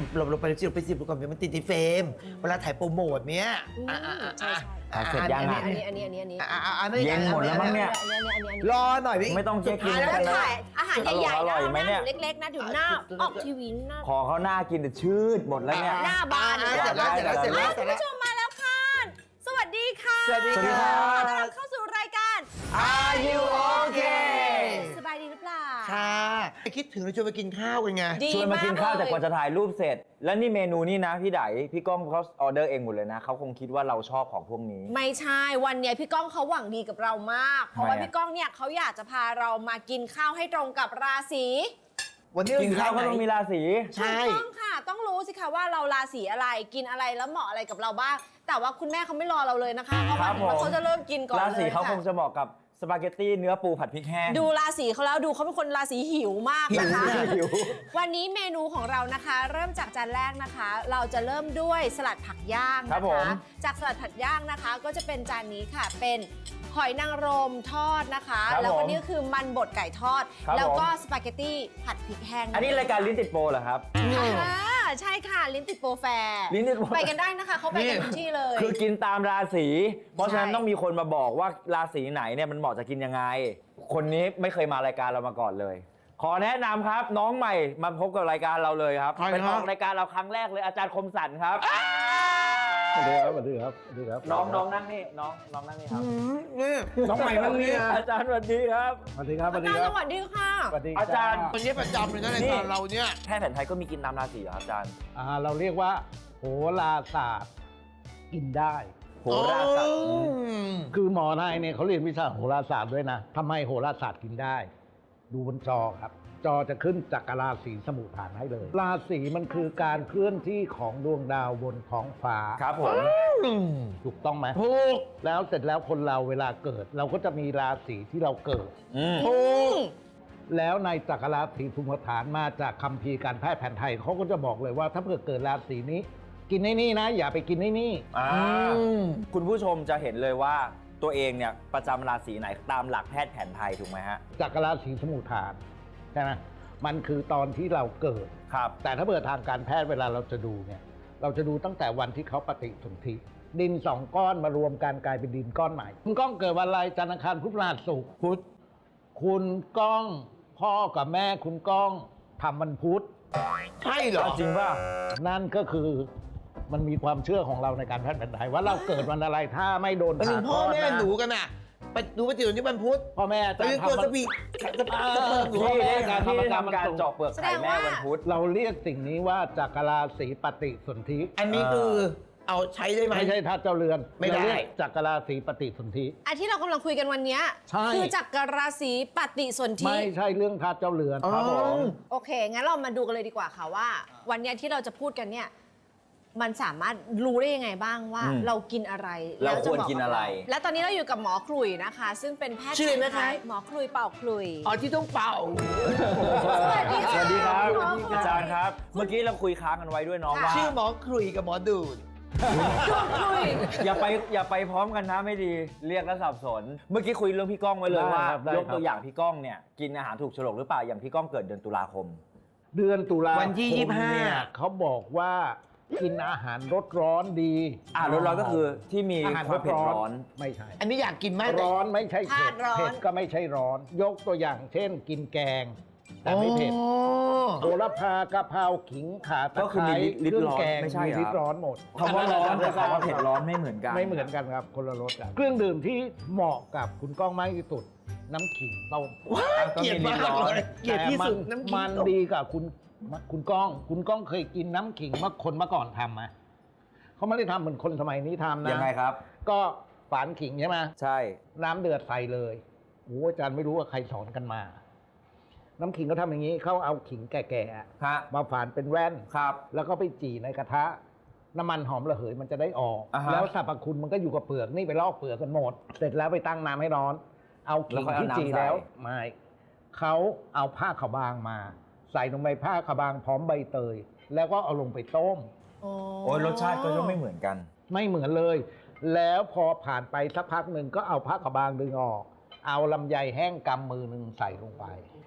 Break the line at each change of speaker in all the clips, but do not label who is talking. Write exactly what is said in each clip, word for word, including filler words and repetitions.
เราเราไปสิเราไปสิบก่อนเดี๋ยวมันติดในเฟรมเวลาถ่ายโปรโมทเนี้ยอ่าอ่าอ่า
อ่ะเสร็จยังอ่ะ
อันนี้อันนี้อันนี้อันนี้
อ่าอ่าไม่
เย็นหมดแล้วมั้งเนี่ย
อันนี้อันนี้อันนี้
รอหน่อยพี่
ไม่ต้องเช็คกิน
แล้ว
กันแล้ว
ถ่ายอาหารใหญ่ๆ
อร่
นะ
อย
เอา
ไหม
ห
เนี่
น้าย เล็กๆนะเดี๋ยวหน้าออกทีวีหน้า
ขอเขาหน้ากินแต่ชืดหมดแล้วเนี่ย
หน้าบาน
เสร็จแล้วเสร็จแล้วเสร็จแล้วเสร็จ
คุณ
แล้ว
ผู้ชมมาแล้วค่ะ สวัสดีค่ะ
สวัสดี
สวัสดีครั
ขอบ ต้อนรับเข้าสู่รายการ
Are you okay
สบายดีหรือเปล่า
ค่ะคิดถึงเราชวนไปกินข้าวกันไง
ดี
ชวนมากินข้าวแต่กว่า
เลย
จะถ่ายรูปเสร็จ แล้วนี่เมนูนี่นะพี่ไดพี่ก้องเขาออเดอร์เองหมดเลยนะเขาคงคิดว่าเราชอบของพวกนี้
ไม่ใช่วันเนี้ยพี่ก้องเขาหวังดีกับเรามาก เพราะว่า
ทำไมอะ
พี่ก้องเนี่ยเขาอยากจะพาเรามากินข้าวให้ตรงกับราศี
วันนี้เรา
กิ
อน ยู่
ข้าวก็
ร้าน
ต้องมี
ไหน
ราศี
ใช่
ถูกต้องค่ะ ต้องรู้สิคะว่าเราราศีอะไรกินอะไรแล้วเหมาะอะไรกับเราบ้างแต่ว่าคุณแม่เขาไม่รอเราเลยนะคะเขา
ค
มา
รับ
ถึง
ผม
ว่าเขาจะเริ่มกินก่อนเลย
ราศีเขา
ค่ะ
คงจะเหมาะกับสปาเกตตี้เนื้อปูผัดพริกแห้ง
ดูราศีเขาแล้วดูเขาเป็นคนราศีหิวมาก
หิว
นะคะ
หิว
วันนี้เมนูของเรานะคะ เริ่มจากจานแรกนะคะ เราจะเริ่มด้วยสลัดผักย่าง
ครั
นะ
บผม
คะจากสลัดผักย่างนะคะ ก็จะเป็นจานนี้ค่ะเป็นหอยนางรมทอดนะคะ
ครับ
แล้วก็
ผม
นี่ก็คือมันบดไก่ทอด
ครับ
แล้วก็
ผม
สปาเกตตี้ผัดพริกแห้ง
อันนี้รายการลิ้นติดโปรเหรอครับ
อ่าใช่ค่ะลิ้นติดโปรแฟร์
ลิ้นติดโปร
ไปกันได้นะคะเขาไปกันทุกที่เลย
คือกินตามราศีเพราะฉะนั้น
ใช่
ต้องมีคนมาบอกว่าราศีไหนเนี่ยมันเหมาะจะกินยังไง คนนี้ไม่เคยมารายการเรามาก่อนเลย ขอแนะนำครับน้องใหม่มาพบกับรายการเราเลยครับ
ใครครับ
เป็นออกรายการเราครั้งแรกเลยอาจารย์คมสันครับ
สวัสดีครับสวัสดีครับสวัสดีครับ
น้องน้องนั่งนี่น้องน้องนั่งนี่ครับ
อืมนี่
น้องใหม่นั่งนี่นะ
อาจารย์สวัสดีครับ
สวัสดีครับสวัสดี
อาจารย์
ครั
ส
บ
วัสดีค่ะ
สวัสดี
อาจารย์
วันนี้ประจำเลยนะรายการเราเนี่ย
แพทย์แผนไทยก็มีกินตามราศีเหรอครับอาจารย์
อ่าเราเรียกว่าโหราศาสตร์กินได้
โหราศาสตร์
อืม
คือหมอนายเนี่ยเขาเรียนวิชาโหราศาสตร์ด้วยนะทำไมโหราศาสตร์กินได้ ดูบนจอครับ จอจะขึ้นจักรราศีสมุทฐานให้เลย ราศีมันคือการเคลื่อนที่ของดวงดาวบนท้องฟ้า
ครับผม
อืม
ถูกต้องไหม
ถูก
แล้วเสร็จแล้วคนเราเวลาเกิด เราก็จะมีราศีที่เราเกิด
อืม
ถูก
แล้วในจักรราศีภูมิฐานมาจากคัมภีร์การแพทย์แผนไทยเขาก็จะบอกเลยว่าถ้าเผื่อเกิดราศีนี้ กินในนี่นะ อย่าไปกินในนี่
อ่า
อืม
คุณผู้ชมจะเห็นเลยว่าตัวเองเนี่ยประจำราศีไหนตามหลักแพทย์แผนไทยถูกไหมฮะ
จักรราศีสมุทฐานใช่ไหมมันคือตอนที่เราเกิด
ครับ
แต่ถ้าเผื่อทางการแพทย์เวลาเราจะดูเนี่ยเราจะดูตั้งแต่วันที่เขาปฏิสนธิดินสองก้อนมารวมกันกลายเป็นดินก้อนใหม่คุณก้องเกิดวันอะไรจันทร์อังคารพุธพฤหัสศุกร์
พุทธ
คุณก้องพ่อกับแม่คุณก้องทำวันพุธ
ใช่เหรอ
จริงป่ะ
นั่นก็คือมันมีความเชื่อของเราในการแพทย์แผนไทยว่าเราเกิดวันอะไรถ้าไม่โดน
ไปถึ
ผ่าง ค
พ่
ล
อ
อด
แม่
นะ
หนูกันน่ะ ไปดูปฏิทินที่วันพุธ
พ่อแม่
ไป
จะ
ยืนตัว
ทำ
สปีดจะ
เออ
จะเปิดหนู
ที่
แม่
ได้
การ
ที่ได้
ทำ
ทำการ
ทำ
เจาะเปลือกไข่แม่วันพุธ
เราเรียกสิ่งนี้ว่าจักรราศีปฏิสนธิ
อันนี้คือเอาใช้ได้ไหม
ไม่ใช่ทัดเจ้าเรือน
ไม่ได้
เราเรียกจักรราศีปฏิสนธิ
อันที่เรากำลังคุยกันวันเนี้ย
ใช่
คือจักรราศีปฏิสนธิ
ไม่ใช่เรื่องทัดเจ้าเรือน
อ๋อ
ครับผม
โอเค งั้นเรามาดูกันเลยดีกว่าค่ะว่า วันเนี้ยที่เราจะพูดกันเนี่ยมันสามารถรู้ได้ยังไงบ้างว่า
อืม
เรากินอะไร
เรา
แล้วจะ
ควร
เหมะ
กินอะไร
และตอนนี้เราอยู่กับหมอขลุ่ยนะคะ ซึ่งเป็นแพทย์
ชื่ออะไรนะคะ
หมอขลุ่ยเป่าขลุ่ย
อ๋อที่ต้องเป่า
สวัสดี
ส
ค่ะ
วัสดีครับ
หมอขลุ่ย
อาจารย์ครับ เมื่อกี้เราคุยค้างกันไว้ด้วยน้อง
ค่ะ
ว่า
ชื่อหมอครุยกับหมอดูด
ขลุ่ย
อย่าไปอย่าไปพร้อมกันนะไม่ดีเรียกแล้วสับสน เมื่อกี้คุยเรื่องพี่ก้องไว้เลยว่า
ได้ครับได้
ยก
ครับ
ตัวอย่างพี่ก้องเนี่ยกินอาหารถูกโฉลกหรือเปล่าอย่างพี่ก้องเกิดเดือนตุลาคม
เดือนตุลา
วันที่
คม
ยี่สิบห้า
เนี่ยเขาบอกว่ากินอาหารรสร้อนดี
อ่ารสร้อนก็คือที่มี
อาหาร
โคตรเผ็ดร้อน
ไม่ใช่
อันนี้อยากกินมาก
ร้อนไม่ใช่เผ็ด
ธาตุร้อน
เผ็ดก็ไม่ใช่ร้อน ยกตัวอย่างเช่น กินแกง แต่ไม่เผ็ด
อ๋อ
โหระพากะเพราขิงข่าตะ
ก็
ไค
คือมี
ร้
ลิตร
เครื่อง
ร้อน
แกง
ไม่ใช่เหรอ
ลิตรร้อนหมด
คำว่าร้อนกับคำว่าเผ็ดร้อนไม่เหมือนกัน
ไม่เหมือนกันครับคนละรสกันเครื่องดื่มที่เหมาะกับคุณก้องมากที่สุด น้ำขิงต้ม
ว้ายเกลียดมากเลยเกลียดที่สุด
แต่
น้ำขิง
มันดีกับคุณคุณก้อง คุณก้องเคยกินน้ำขิงเมื่อคนเมื่อก่อนทำไหมเขาไม่ได้ทำเหมือนคนสมัยนี้ทำนะ
ยังไงครับ
ก็ฝานขิงใช่ไหม
ใช่
น้ำเดือดใส่เลยโอ้อาจารย์ไม่รู้ว่าใครสอนกันมา น้ำขิงเขาทำอย่างนี้เขาเอาขิงแก่ๆอะ
ฮะ
มาฝานเป็นแว่น
ครับ
แล้วก็ไปจี่ในกระทะ น้ำมันหอมระเหยมันจะได้ออก
อ่าฮะ
แล้วสรรพคุณมันก็อยู่กับเปลือกนี่ไปลอกเปลือกกันหมด เสร็จแล้วไปตั้งน้ำให้ร้อน เอา
แล้ว
ขิง
ค่อยเอา
ที่
น้ำ
จี่
ใส่
แล้วไม่เขาเอาผ้าขาวบางมา ใส่ลงในผ้าขาวบางพร้อมใบเตย แล้วก็เอาลงไปต้ม
โอ้ยรสชาติก็จะไม่เหมือนกัน
ไม่เหมือนเลย แล้วพอผ่านไปสักพักหนึ่งก็เอาผ้าขาวบางดึงออก เอาลำไยแห้งกำมือหนึ่งใส่ลงไป
อ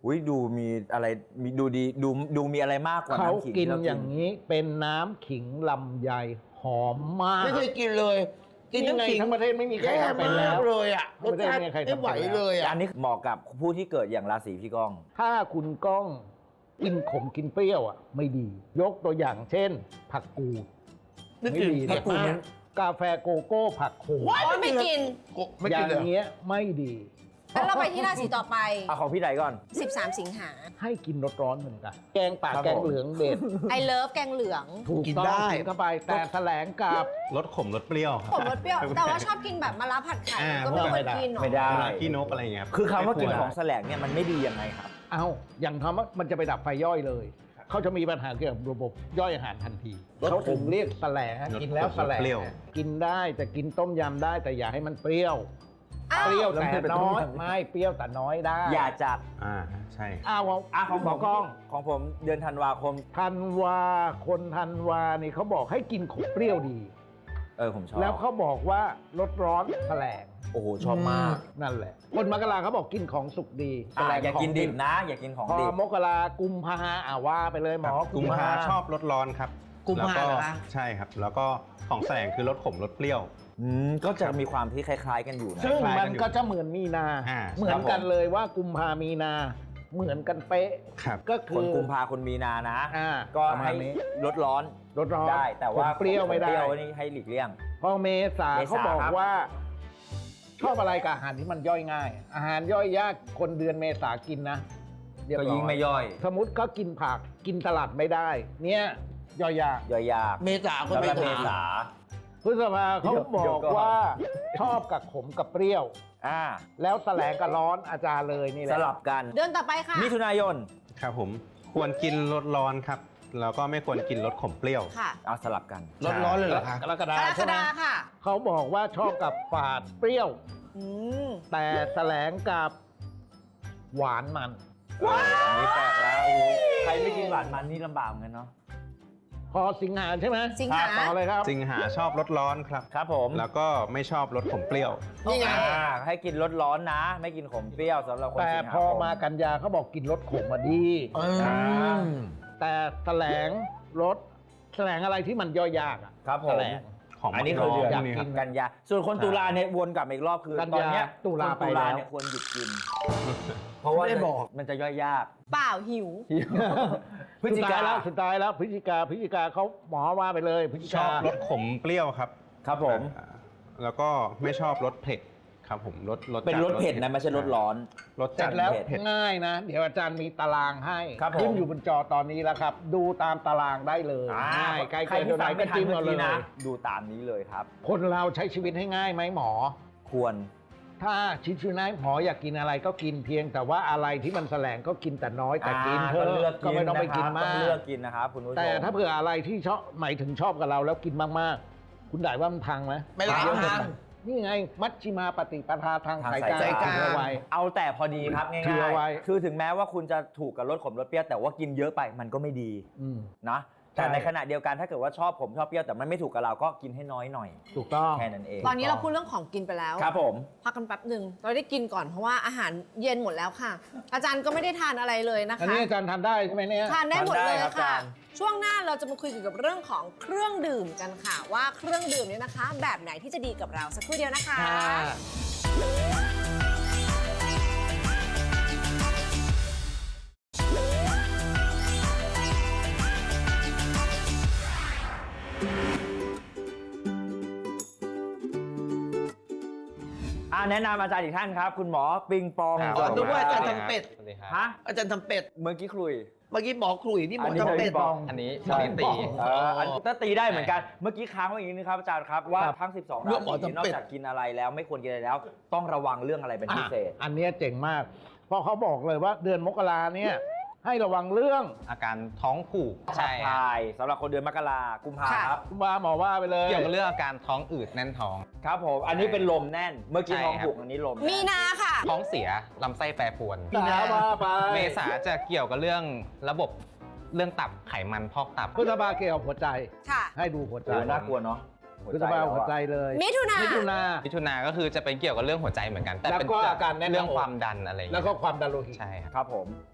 อุ้ยดูมีอะไรมีดูดีดูดูมีอะไรมากกว่า
เขา
น้ำขิง
กิน
ที่ร
อย่างนี้เป็นน้ำขิงลำไยหอมมาก
ไม่เคยกินเลย กิน
นี่ไง
น้ำขิง
ทั้งประเทศไม่มีใคร
แย่
ทำเป็น
มา
แล้
ก
ว
เลยอ่ะรสชาติ
ไม่ได้มีใครทำ
ไม่ไหว
เป็นแล้ว
เลยอ่ะ
อันนี้เหมาะกับผู้ที่เกิดอย่างราศีพี่ก้อง
ถ้าคุณก้องกินขมกินเปรี้ยวอ่ะ ไม่ดี ยกตัวอย่างเช่น ผักกูด
นึก
ไม่
ถึง
ดี
ผักกูด
มากกาแฟโกโก้ผักโขม
ว้าย
โอ้ยไม่กิน
โกไม่
อ
กิ
ย่าน
เลย
งเงี้ยไม่ดี
แล้วเราไปที่ราศีต่อไป
เอาของพี่ไหนก่อน
สิบสาม สิงหา
ให้กินรสร้อนเหมือนกัน แกงป่า
ครับ
แกง
ผม
เหลืองเด็ด
ไอเลิฟแกงเหลือง
ถูก
กิน
ต้อง
ได้
กินเข้าไปแต่แถลงกับ
รสขมรสเปรี้ยวครับ
ผมรสเปรี้ยว แต่ว่าชอบกินแบบมะระผัดไข่
อ่า
ก็ไม่ควรกินหรอ
ไม่ได้
เวลาขี้นกอะไรอย่างเงี้ยรับ
คือคำว่ากิน
ไม่
ข
ร
องแสลงเนี่ยมันไม่ดียังไงครับ
เอาอย่างคำว่ามันจะไปดับไฟย่อยเลย เขาจะมีปัญหาเกี่ยวกับระบบย่อยอาหารทันที
รสขม
เขาถึงเรียกแสลงกินแล้วแสลง
เปรี้ยว
กินได้แต่กินต้มยำได้แต่อย่าให้มันเปรี้ยว
อ้าว
เปรี้ยว
แล้วมัน
แต่
เป็น
น้อย
ต้มยำ
ไม่เปรี้ยวแต่น้อยได้
อย่าจัด
อ่าใช่
อ้าว
อ่ะของ
หม
ผ
อ
ม
กล้อง
ของผมเดือนธันวาคม
ธันวาคนธันวานี่เขาบอกให้กินขมเปรี้ยวดี
เออผมชอบ
แล้วเขาบอกว่าลดร้อนแสลง
โอ้โหชอบมาก
นั่นแหละ คนมกราเขาบอกกินของสุกดี
อ่ะ
แสลง
อย่า
ของ
กินดิบนะ อย่ากินของ
พอ
ดิบ
มกรากุมภาอ่าว่าไปเลยหมอ
กุมภาชอบรสร้อนครับ
กุมภา
แล้ว
เหรอคะ
ใช่ครับ แล้วก็ของแสลงคือรสขมรสเปรี้ยว
อืมก็จะมีความที่คล้ายๆกันอยู่นะ
ซึ่ง
คล้ายๆกั
มัน น
อยู่
ก็จะเหมือนมีนา
อ่า
เหมือนกันเลยว่ากุมภามีนา เหมือนกันเป๊ะ
ครับ
ก็
ค
คื
น
อ
กุมภาคนมีนานะ
อ่า
ก็
ประมา
ให้
ณนี้
ลดร้อน
ลดร้อน
ได้ แต่ว่า
ขมเปรี้ยวไม่ได้
เปรี้ยวนี่ให้หลีกเลี่ยง
พอเมษา
เมษา
เขาบอก
ครับ
ว่า ชอบอะไรกับอาหารที่มันย่อยง่าย อาหารย่อยยากคนเดือนเมษากินนะเรีบ
ก็
ร้อ
ยิ่งไม่ย่อย
สมมติก็กินผักกินสลัดไม่ได้ เนี่ยย่อยยาก
ย่อยยาก
เมษาคน
สำห
เม
รับเม
ษา
ษา
พฤษภาเขา
เดี๋ยว
บ
เดี๋
อย
ว
ก
ก่อน
ว่าชอบกับขมกับเปรี้ยว
อ่า
แล้วแสลงกับร้อนอาจารย์เลยนี่แห
ส
ละ
ลับกัน
เดือนต่อไปค่ะ
มิถุนายน
ครับผมควรกินรสร้อนครับ แล้วก็ไม่ควรกินรสขมเปรี้ยว
ค่ะ
เอาสลับกัน
ร้อนๆเลยเหรอคะ
กรกฎาก
รก
ใช่ไหม
ฎาค่ะ
เขาบอกว่าชอบกับฝาดเปรี้ยว
อืม
แต่แสลงกับหวานมัน
อันนี้แปลกแล้วโอ้โหใครไม่กินหวานมันนี่ลำบากเหมือนกันเนาะ
พอสิงหาใช่ไหม
สิงหา
ต่อเลยครับ
สิงหาชอบรสร้อนครับ
ครับผม
แล้วก็ไม่ชอบรสขมเปรี้ยว
นี่ไง
อ่าให้กินรสร้อนนะ ไม่กินขมเปรี้ยวสำหรับคน
แต่
สิงหา
พอ
ค
มากันยาเขาบอกกินรสขมมาดี
อืม
แต่แสลงรสแสลงอะไรที่มันย่อยยากอะ
ครับผ
แส
ม
ลง
ของ
อันนี้คือเดือน
อยากกิน
กันยา ส่วนคนตุลาเนี่ยวนกลับมาอีกรอบคือ
กันยา
ตอนเนี้ย
ตุลา
คน
ไป
ตุ
แล้
ลาว เนี่ยควรหยุดกิน เพราะว่า
ไม่ได้บอก
มันจะย่อยยาก
เปล่าหิว
พฤศ
สุ
จิ
ด
กา
ท้ายแล้วสุดท้ายแล้วพฤศจิกาพฤศจิกาเขาหมอว่าไปเลยพฤศจิ
ช
กา
อบรสขมเปรี้ยวครับ
ครับผม
อ่าแล้วก็ไม่ชอบรสเผ็ดครับผมรสรส
เป็น
จั
รสเผ็ดนะไม่ใช่รสร้อน
รส
เสร็
จั
จ
ด
แล้ว
เผ็ด
ง่ายนะ เดี๋ยวอาจารย์มีตารางให้
ครับผม
ขึ้นอยู่บนจอตอนนี้แล้วครับ ดูตามตารางได้เลย
อ่า
ง่ายใกล้
ใคร
เกิน
ที่
เท่าไห
ฟั
ร่
ง
ก็
ไม่ทัน
จิ้ม
เมื่
เอา
อ
เล
กี้
ย
นะ ดูตามนี้เลยครับ
คนเราใช้ชีวิตให้ง่ายไหมหมอ
ควร
ถ้าชิชูนายหมออยากกินอะไรก็กินเพียง แต่ว่าอะไรที่มันแสลงก็กินแต่น้อยแต่กิน
อ่า
เถอะ
ก็เลือก
ก็ไม่ต้องไปกิน
นะครับ
มา
ต้องเลือก
ก
กินนะครับคุณผู้ชม
แต่ถ้าเผื่ออะไรที่ชอบหมายถึงชอบกับเราแล้วกินมากๆ คุณได้ว่ามันพังไหม
ไม่ล้าง
เยอะเกิน
ทาง
ไปนี่ไง มัชชิมาปฏิปทาทาง
ทาง
สาย
สาย
กลาง
สายกลาง
เอาไว้
เอาแต่พอดีครับง่าย
ถือเอาไว้
ๆคือถึงแม้ว่าคุณจะถูกกับรสขมรสเปรี้ยวแต่ว่ากินเยอะไปมันก็ไม่ดี
อืม
นะแต่
ใช่
ในขณะเดียวกันถ้าเกิดว่าชอบผมชอบเปรี้ยวแต่มันไม่ถูกกับเราก็กินให้น้อยหน่อย
ถูกต้อง
แค่นั้นเอง
ตอนนี้เราพูดเรื่องของกินไปแล้ว
ครับผม
พักกันแป๊บหนึ่งเราได้กินก่อนเพราะว่าอาหารเย็นหมดแล้วค่ะ อาจารย์ก็ไม่ได้ทานอะไรเลยนะ
อัน
คะ
นี้อาจารย์ทานได้ใช่ไหมเนี่ย
ทานได้หมดเลย
ทานได้ครับอา
ค่ะ
จารย์
ช่วงหน้าเราจะมาคุยเกี่ยวกับเรื่องของเครื่องดื่มกันค่ะ ว่าเครื่องดื่มเนี่ยนะคะ แบบไหนที่จะดีกับเราสักครู่เดียวนะคะ
ค่ะ
อ่าแนะนำอาจารย์อีกท่านครับ คุณหมอปิงปอง
ครับ
อ๋อนึกว่าอาจารย์
สวัสดี
ทำเป็ด
สวัสดีครับ
ฮะ
อาจารย์ทำเป็ด
เมื่อกี้คุย
เมื่อกี้หมอขลุ่ยนี่หมอ
อันนี้
ทำเป็ด
ปิงปอง
อันนี้
ใช่
อันนี้ตี
เอออันนี้ก็ตีได้เหมือนกัน เมื่อกี้ค้างไว้อย่างนี้นะครับอาจารย์ครับว่า
ครับ
ทั้ง สิบสอง
เรื่
รา
องหมอ
ศี
ทำ
นอ
เป็
ก
ด
จากกินอะไรแล้วไม่ควรกินอะไรแล้ว ต้องระวังเรื่องอะไรเป็นพิเศษ
อ่ะอันเนี้ยเจ๋งมาก เพราะเขาบอกเลยว่าเดือนมกราเนี่ยให้ระวังเรื่อง
อาการท้องผูก
ขับ
ใช่ครับ
ถ่ายสำหรับคนเดือนมกรากุมภา
ค่ะ
ครับ
คุณว่าหมอว่าไปเลย
เกี่ยวกับเรื่องอาการท้องอืดแน่นท้อง
ครับผมอันนี้เป็นลมแน่น เมื่อกี้
ใช่
ท้อง
ครับ
ผูกอันนี้ลมแน่น
มีนาค่ะ
ท้องเสียลำไส้แปรปรวน
มีนาว่าไป
เมษาจะเกี่ยวกับเรื่องระบบเรื่องตับไขมันพอกตับ
พฤษภาเกี่ยวกับหัวใจ
ค่ะ
ให้ดูหัวใจ
โอ้น่ากลัวเนาะ
พฤษภาหัวใจเลย
มิถุนา
มิถุนา
มิถุนาก็คือจะเป็นเกี่ยวกับเรื่องหัวใจเหมือนกัน แต่
แล้ว
เป็น
ก็อาการแน่นหน้าอก
เรื่องความดันอะไรอย่าง
แล้ว
เงี้ย
ก็ความดันโลหิต
ใช่ครับ
ครับผม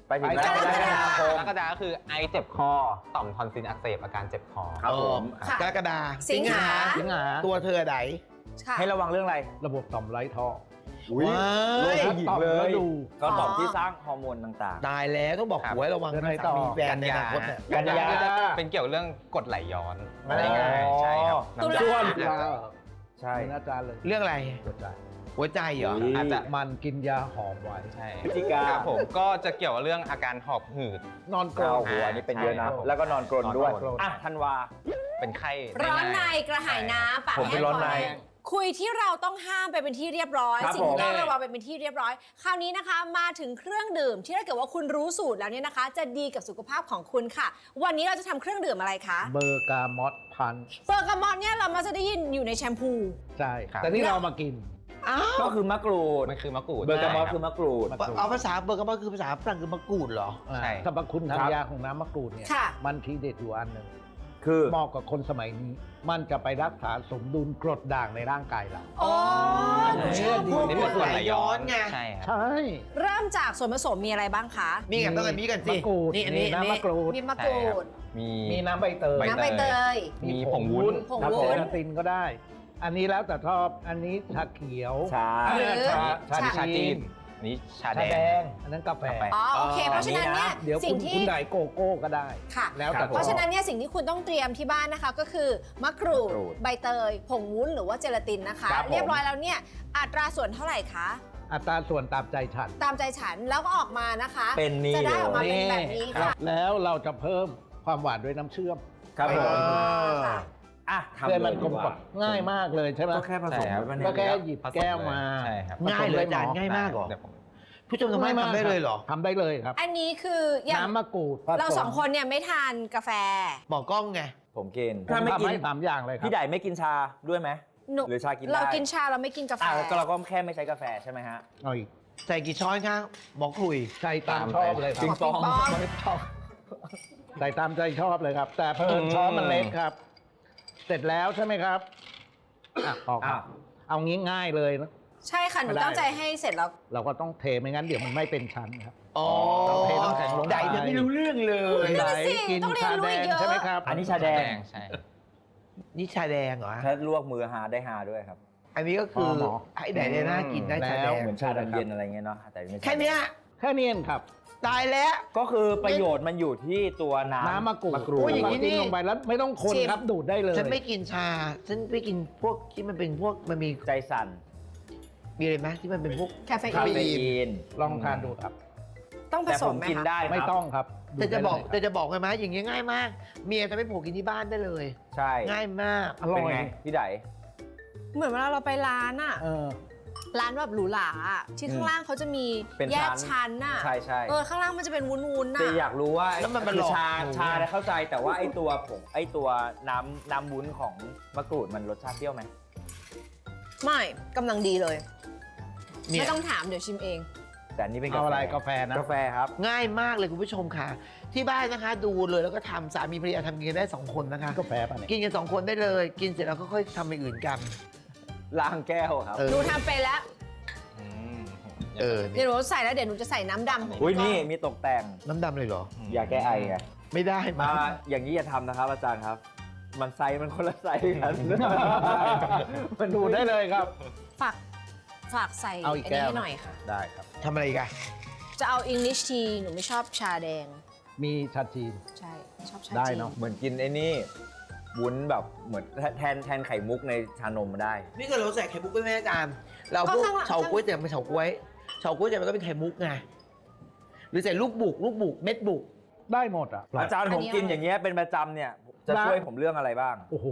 ไปถึง
ไป
กรกฎาคม
กรกฎาก็คือไอเจ็บคอ ต่อมทอนซิลอักเสบอาการเจ็บคอ
ครับผม
ค่ะ
กรกฎา
สิงหา
สิงหา
ตัวเธอไหน
ค่ะ
ให้ระวังเรื่องอะไร
ระบบต่อมไร้ท่อ
อุ้ย
ว้าย
โรคผู้หญิงเล
ต่อมก
ย
ระดูก
ก็ต่อม
อ๋อ
ที่สร้างฮอร์โมนต่าง
ตายแล้วต้องบอก
ครับ
หัวให้ระวัง
เดือนไหน
นะ
ต่อ
มีแฟนในอนาคตเนี่ย
กันยา
ก็จะเป็นเกี่ยวเรื่องกรดไหลย้อน
อ๋อ
ได้ง่ายใช่ครับ
ตุลา
น้ำ
ส่วน
อ่ะ
ๆ ใช่
เป็นอาจารย์เลย
เรื่องอะไร
หัวใจ
หัวใจเหรอ
อุ๊ย
อาจจะ
มันกินยาหอมไว้
ใช่
พฤศจิกา
ครับผมก็จะเกี่ยวกับเรื่องอาการหอบหืด
นอนกร
เกา
น
หัวนี่เป็นเยอะนะ
ใช่
แล้วก็นอนกรนด้วย
นอนกรน
อ่ะธันวา
เป็นไข้ได้
ร้อนใน
ง่าย
กระหายน้ำปาก
ผมเป็น
แห้ง
ร้อนใน
คแห้งคุยที่เราต้องห้ามไปเป็นที่เรียบร้อย
ครับ
สิ่งที่ต้อง
ผม
ระวังไปเป็นที่เรียบร้อย คราวนี้นะคะมาถึงเครื่องดื่มที่ถ้าเกิดว่าคุณรู้สูตรแล้วเนี่ยนะคะ จะดีกับสุขภาพของคุณค่ะ วันนี้เราจะทำเครื่องดื่มอะไรคะ
เบอร์กามอตพันช์
เบอร์กามอนเนี่ยเรามาจะได้ยินอยู่ในแชมพู
ใช่
ครับ
แต่นี่เรามากิน
อ้าว
ก็คือมะกรูด
มันคือมะกรูด
เบอร์กามอส
ใช่
คือมะกรูด
มะกรูด
เอาภาษาเบอร์กามอนคือภาษาฝรั่งคือมะกรูดเหรอ
อ่า
ใช่
สรรพคุณทาง
ครับ
ยาของน้ำมะกรูดเนี่ย
ค่ะ
มันทีเด็ดอยู่อันหนึ่ง
คือ
เหมาะกับคนสมัยนี้ มันจะไปรักษาสมดุลกรดด่างในร่างกายเรา
โอ้หนูชอบ
ดี
พวก
นี่เป็นกรดไหลย้อน
ไง
ใช่ครับ
ใช่
เริ่มจากส่วนผสมมีอะไรบ้างคะ
มีกับต้องกันมีกันสิ
มะกรูด
นี่อันนี้
มี
อัน
น้ำ
นี้
มะกรูด
มีมะกรูด
มี
มีน้ำใบเตย
ใบ
น้ำใบเตย
มีผงวุ้น
ผง
ครับ
วุ้
เจ
น
ลาตินก็ได้ อันนี้แล้วแต่ชอบ อันนี้ชาเขียว
ชา
หรือ
ชา
ชา
ชา
ชา
จี
จี
น
นนี่ชา
ชา
แด
แด
ง
ง อันนั้นกาแฟ
กาแฟ
อ๋อโอเค เพราะฉะนั้นเนี่ย
เดี๋ยว
สิ่
คุ
ง
ณ
ที่
คุณได้โกโก้ก็ได้
ค่ะ
แล้วแต่
ครับ
เพราะฉะนั้นเนี่ยสิ่งที่คุณต้องเตรียมที่บ้านนะคะก็คือมะกรูด
มะกรูด
ใบเตย ผงวุ้นหรือว่าเจลาตินนะคะ
ครับผม
เรียบร้อยแล้วเนี่ยอัตราส่วนเท่าไหร่คะ
อัตราส่วนตามใจฉัน
ตามใจฉันแล้วก็ออกมานะคะ
เป็นนี่
จะได้ออกมา
เลย
เป็นแบบนี้ค่ะ
แล้วเราจะเพิ่มความหวานด้วยน้ำเชื่อม
ครับผม
ค่ะ
อ่ะทำ
เพื่อมัน
ลย
กลม
ดี
กล่อมง่ายมากเลยใช่ไหม
ก็แค่ผสม
ใช่ครับ
ไว้ใน
ก็แค่
นี้
หยิบ
ผสม
แก้วมา
ใช่ครับ
ง่ายเลยอาจารย์ง่ายมากเหรอ
เดี๋ยวผม
ผู้ชมทำไมทำได้เลยเหรอ
ทำได้เลยครับ
อันนี้คืออย่าง
น้ำมะกรูด
เราสองคนเนี่ยไม่ทานกาแฟ
บอกกล้องไง
ผมกิน
ผม
ถ้าไม่
ทำ
กิน
ให้สามอย่างเลยครับ
พี่ใหญ่ไม่กินชาด้วยไหม
หนู
หรือชากินได้
เรากินชาเราไม่กินกาแฟ
อ่ะก็เราก็แค่ไม่ใช้กาแฟใช่ไหมฮะ
เอาอีก
ใส่กี่ช้อนคะบอกคุย
ใส่ตามชอบเลยค
ปิ
รั
ง
บ
ปอง
ปิงปอง
ใส่ตามใจชอบเลยครับ แต่เพิ่มช้อนมันเล็กครับ เสร็จแล้วใช่ไหมครับอ่ะพอครับ
อ่ะ
เอางี้ง่ายเลยนะ
ใช่ค่ะ หนู
ไม่ได้
ตั้งใจให้เสร็จแล้ว
เราก็ต้องเทไม่งั้นเดี๋ยวมันไม่เป็นชั้นครับ
อ๋อ
เราเทน้ำแข็งลงไป
ไดจะไม่รู้เรื่องเลย
นั่น
ไหน
น่ะสิ
กิน
ต้องเรียน
ชา
รู้
แด
อี
ง
กเยอะ
ใช่ไหมครับ
อันนี้ชาแดง
ใช่
นี่ชาแดงเหรอ
ถ้าลวกมือหาได้หาด้วยครับ
อันนี้ก็คืออไอ้ไหนเนี่ยน่ากินได้ชาแดง
เหมือนชาดำเย็นอะไรเงี้ยเนาะแต่ไม่ใช่
แค่เนี้ย
แค่นี้เองครับ
ตายแล้ว
ก็คือประโยชน์มันอยู่ที่ตัวน้ำ
น้ำมะกรูด
โอ้ยอย่างนี้
นี้
นี่
ลงไปแล้วไม่ต้องคน
ชิม
ครับดูดได้เลย
ฉันไม่กินชา ฉันไม่กินพวกที่มันเป็นพวกมันมี
ใจสั่น
มีอะไรไหมที่มันเป็นพวก
แคเฟ
คา
อีน
เฟอีน
ลองทานดูครับ
ต้องผ
แต่
ส
ผม ม
ไหม
กิน
คะ
ได้ครับ
ไม่ต้องครับ
แต่จะบอก
ดูด
แต่
ได้เลย
จะบอกไงไหมอย่างเงี้ยง่ายมาก เมียจะไม่ผูกกินที่บ้านได้เลย
ใช่
ง่ายมาก
อร่
เป็น
อย
ไงพี่ได
เหมือนเวลาเราไปร้านอะ
เออ
ร้านแบบหรูหราอะที่ข้างล่างเขาจะมี
เป็น
แยก
ชั้น
ชั้นน่ะ
ใช่ใช่
เออข้างล่างมันจะเป็นวุ้นๆน่ะ
แต่อยากรู้ว่า
แล้วมันมัน
คือ
หลอก
ชา
หนู
ชา
ไง
เนี่ยเข้าใจแต่ว่าไอ้ตัวผงไอ้ตัวน้ำน้ำวุ้นของมะกรูดมันรสชาติเปรี้ยวไหม
ไม่กำลังดีเลย
เนี่ย
ไม่ต้องถามเดี๋ยวชิมเอง
แต่อันนี้เป็น
เอาอะไรกาแฟนะ
กาแฟครับ
ง่ายมากเลยคุณผู้ชมค่ะ ที่บ้านนะคะดูเลยแล้วก็ทำสามีภรรยาทำกินกันได้สองคนนะคะ
กาแฟป่ะเนี่ย
กินกันสองคนได้เลย กินเสร็จแล้วก็ค่อยทำอย่างอื่นกัน
ล้างแก้วครับ
เออ
หนูทำไปแล้ว
อืม
เออ
เดี๋
นี่
ยวหนูใส่แล้วเดี๋ยวหนูจะใส่น้ำดำของ
อุ้ย
พี่ก้
นี่
อง
มีตกแต่ง
น้ำดำเลยเหรอ
ยาแก้ไอไง
ไม่ได้มา
มาอย่างนี้อย่าทำนะครับอาจารย์ครับ มันไซส์มันคนละไซส์กัน
มันดูดได้เลยครับ
ฝากฝากใส่
เอาอีก
ไอ้
แก้
นี่
ว
ให้หน่อยค่ะ
ได้ครับ
ทำอะไรอีกัน
จะเอา English tea หนูไม่ชอบชาแดง
มีชาจีน
ใช่ชอบชา
ได้
จีน
เนอะ
เหมือนกินไอ้นี่วุ้นแบบเหมือนแทนแทนไข่มุกในชานมได้
นี่ก็เราใส่ไข่มุกไปไหมอาจารย์ เราพวกเฉาก๊วยแต่ไม่เฉาก๊วยเฉาก๊วยแต่มันก็เป็นไข่มุกไง หรือใส่ลูกบุกลูกบุกเม็ดบุก
ได้หมดอ่ะ
อาจารย์ผมกินอย่างเงี้ยเป็นประจำเนี่ยจะช่วยผมเรื่องอะไรบ้าง
โอ้โห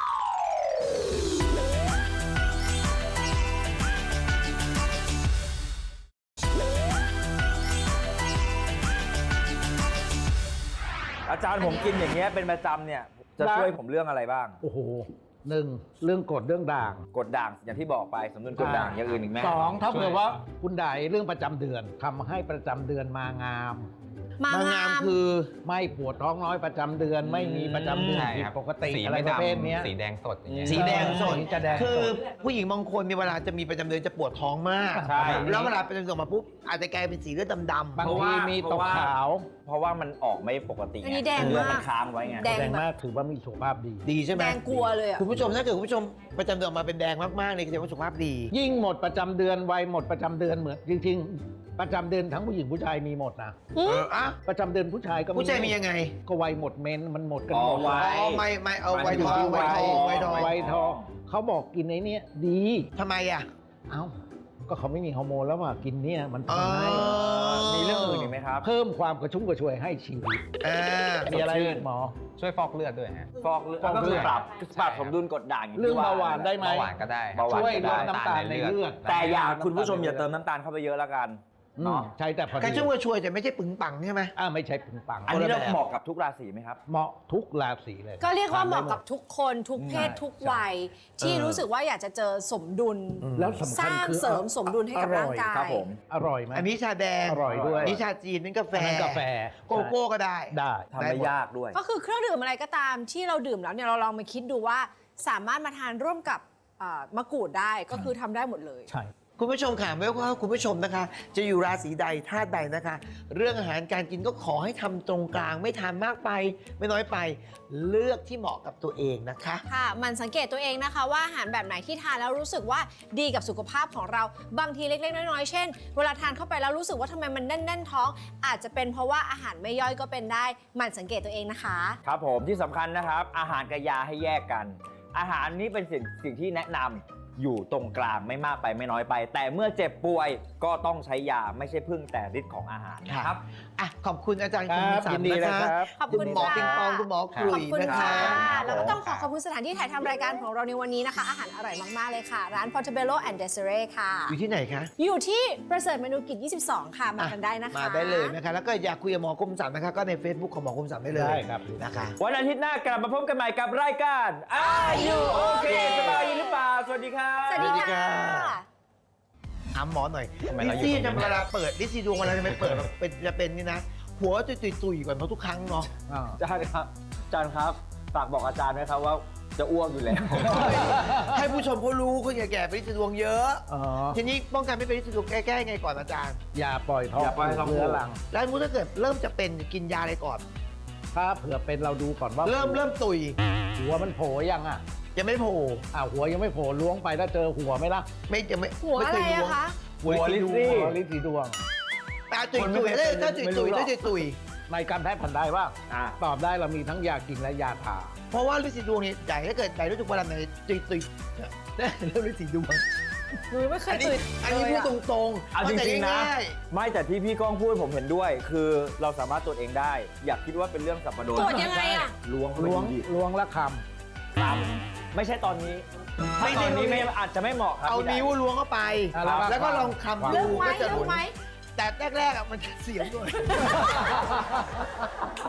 อาจารย์ผมกินอย่างเงี้ยเป็นประจำเนี่ยจะช่วยผมเรื่องอะไรบ้าง
โอ้โหหนึ่งเรื่องกรดเรื่องด่าง
กดด่างอย่างที่บอกไปสมดุลกดด่างอย่างอื่นอีกไหม
สองถ้าเผื่อว่าคุณใดเรื่องประจำเดือนทำให้ประจำเดือนมางาม
มาม
างามคือ
ไม่ปวดท้องน้อยประจำเดือน ไม่มีประจำเดือน
ใช่
ผิด
ครับ
ปกติ
สี
อะไร
ไม่
ประ
ด
เภทเนี้ย
ำสีแดงสดอย่างเงี้ย
สีแดงสด
สีจะแดงสด
คือผู้หญิงบางคนมีเวลาจะมีประจำเดือนจะปวดท้องมาก
ใช่
แล้วเวลาประจำเดือนออกมาปุ๊บอาจจะกลายเป็นสีเลือดดำๆ
บางทีมีตกขาว
เพราะว่ามันออกไม่ปกติ
อันนี้แดง
เลือด
มาก
มันค้างไว้ไง
แดง
แดงมากถือว่ามีสุขภาพดี
ดีใช่ไหม
แดงกลัวเลยอ่ะ
คุณผู้ชมถ้าเกิดคุณผู้ชมประจำเดือนออกมาเป็นแดงมากๆเนี่ยแสดงว่าสุขภาพดี
ยิ่งหมดประจำเดือนวัยหมดประจำเดือนเหมือนจริง ๆ ประจำเดือนทั้งผู้หญิงผู้ชายมีหมดนะ
เอออ่ะ
ประจำเดือนผู้ชายก็
ผู้ชายมียังไง
ก็วัยหมดเมนมันหมดกัน
อ๋อ
หมด
วัย
อ๋อไม่ไม่เอาไว
อยู่
ทอง
ที่
ไว
วัย
ทองไวทอง
วัยทองเขาบอกกินไอ้เนี้ยดี
ทำไมอ่ะ
เอ้าก็เขาไม่มีฮอร์โมนแล้วว่ากินเนี่ยมัน
อ๋อ
ทำให้
มีเรื่องอื่นอีกไหมครับ
เพิ่มความกระชุ่มกระชวยให้ชีวิต
อ่า
มีอะไรอีกหมอ
ช่วยฟอกเลือดด้วยฮะ
ฟอกเลือด
ฟอกเลือด
ก็คือปรับ
ใช่
ปรับสมดุลกรดด่างย่งที่
เรื่องเบาหวานได้ไหม
เบาหวานก็ได้
เบาหวาน
ช่วย
ก็
ล
ได้
ดน้ำตาลในเลือด
แต่อย่าคุณผู้ชมอย่าเติมน้ำตาลเข้าไปเยอะแล้วกัน
อืม
เนาะ
ใช่แต่พอดี
กระชุ่มกระชวยแต่ไม่ใช่ปึงปังใช่ไหม
อ่าไม่ใช่ปึงปัง
อันนี้เรา
คนละแบบ
เหมาะกับทุกราศีไหมครับ
เหมาะทุกราศีเลย
ก็เรียกว่าเหมาะกับ
ทนได้
ทุกคนทุกเพศ
ใช่
ทุกวัย ที่รู้สึกว่าอยากจะเจอสมดุล
หมดแล้วสำ
ส
คัญ
ร้าง
คือ
เสริมสมดุลให้กับ
อร่
ร่า
อง ย
กาย
ครับผม
อร่อยไหม
อันนี้ชาแดง
อร่อยด้วย
อันนี้ชาจีนนี่กาแฟ
อันนั้นกาแฟ
โกโก้ก็ได้
ได้
ทำไม่ยากด้วย
ก็คือเครื่องดื่มอะไรก็ตามที่เราดื่มแล้วเนี่ยเราลองมาคิดดูว่าสามารถมาทานร่วมกับเอ่อมะกรูดได้ก็คือทำได้หมดเลย
ใช่
คุณผู้ชมค่ะไม่ว่าคุณผู้ชมนะคะ จะอยู่ราศีใดธาตุใดนะคะ เรื่องอาหารการกินก็ขอให้ทำตรงกลาง ไม่ทานมากไป ไม่น้อยไป เลือกที่เหมาะกับตัวเองนะคะ
ค่ะ มันสังเกตตัวเองนะคะว่าอาหารแบบไหนที่ทานแล้วรู้สึกว่าดีกับสุขภาพของเรา บางทีเล็กๆ น้อยๆ เช่น เวลาทานเข้าไปแล้วรู้สึกว่าทำไมมันแน่นๆ ท้อง อาจจะเป็นเพราะว่าอาหารไม่ย่อยก็เป็นได้ มันสังเกตตัวเองนะคะ
ครับผมที่สำคัญนะครับ อาหารกับยาให้แยกกัน อาหารนี้เป็นสิ่งสิ่งที่แนะนำอยู่ตรงกลางไม่มากไปไม่น้อยไป แต่เมื่อเจ็บป่วยก็ต้องใช้ยาไม่ใช่พึ่งแต่ฤทธิ์ของอาหารนะครับ
อ่ะขอบคุณอาจารย์
ค
คุณ
รับ
สั
ยิ
น
นดี
นะ
เลย
คะ
ครับ
ขอบ
คุ
คุณ
ณหมอ
ค่ะ
ปิงปองคุณหมอครุ
ขอย บคุณ
นะ
ค่ะ
คะ
แล้วก็ต้องขอขอบคุณสถานที่ถ่ายทำรายการของเราในวันนี้นะคะ อาหารอร่อยมาก ๆ เลยค่ะ ร้าน Portobello and Desiree ค่ะ
อยู่ที่ไหนคะ
อยู่ที่ประเสริฐเมนูกิจ ยี่สิบสอง ค่ะ มากันได้นะคะ
มาได้เลยนะคะ แล้วก็อยากคุยกับหมอคมสันนะคะ ก็ใน Facebook ของหมอคมสันได้เลย
ได้ครับ
นะคะ
วันอาทิตย์หน้ากลับมาพบกันใหม่กับรายการ Are You Okay สบายดีหรือเปล่า สวัสดีครับ
สวัสดี
สวัสดี
ค่ะ
ค่ะ ถามหมอหน่อย
ทำไม
ลิ
เราอยู่
ซี่
ตรงนี้
จะเวลาเปิดลิซี่ดวงเวลาจะไปเปิดเป็นจะเป็นนี่นะ หัวตุยตุยๆก่อนเพราะทุกครั้งเนาะ
อ่า
อาจารย์ครับอาจารย์ครับ ฝากบอกอาจารย์ไหมครับว่าจะอ้วกอยู่แล้ว
ให้ผู้ชมเขารู้คนแก่ๆเป็นลิซี่ดวงเยอะ
อ๋อ
ทีนี้ป้องกันไม่เป็นลิซี่ดวงแก้ๆไงก่อนอาจารย์
อย่าปล่อยท้อง
อย่าปล่อยให้ท้อง
เรื้อรัง
แล้วมุติถ้าเกิดเริ่มจะเป็นกินยาอะไรก่อน
ถ้าเผื่อเป็นเราดูก่อนว่า
เริ่มเริ่มตุย
หัวมันโผล่ยังอ่ะ
ยังไม่โผล่
อ่าหัวยังไม่โผล่ล้วงไปแล้วเจอหัวไหมล่ะ
ไม่ยังไม่
หัว
ม่
อะไร
เคย
อะ
ล้วง
คะ
หัวลิซซี่
หัวลิสีดวง
ตาตุย
คนไม่
ตุย
เคย
ถ้า
เป็น
ถ้าตุย
ไม่รู้
ตุย
หรอก
ถ้าตุยตุย
ในการแพทย์แผนไทยว่า
อ่ะ
ตอบได้เรามีทั้งยากินและยาทา
เพราะว่าลิซี่ดวงเนี่ยใหญ่ถ้าเกิดใหญ่รู้สึกเวลาไหนตุยตุยเนี่ยเริ่มลิซี่ดวง
หนูไม่เค
อั
ย
นนี้
ตื่น
อันนี้พูดตรงๆ
เอาจริงๆนะ
เข้าใจง่าย
ไม่แต่ที่พี่ก้องพูดผมเห็นด้วย คือเราสามารถตรวจเองได้ อยากคิดว่าเป็นเรื่องสับปะรด
ตรวจยังไงอะ
ล้วงเข้าไป
ล้วง
ดูดิ
ล้วงละค
ครับไม่ใช่ตอนนี้ถ้าตอนนี้ไม่อาจจะไม่เหมาะครับ
เอา
พี่ได
นิ้วล้วงเข้าไป
อ่ะแล้วก็
แล้วก็ลองคำ
เรื่
ดู
องไหม
ก็จะ
เรื่อ
รู้
งไหม
แต่แรกๆอ่ะมันจะเสียงด้วย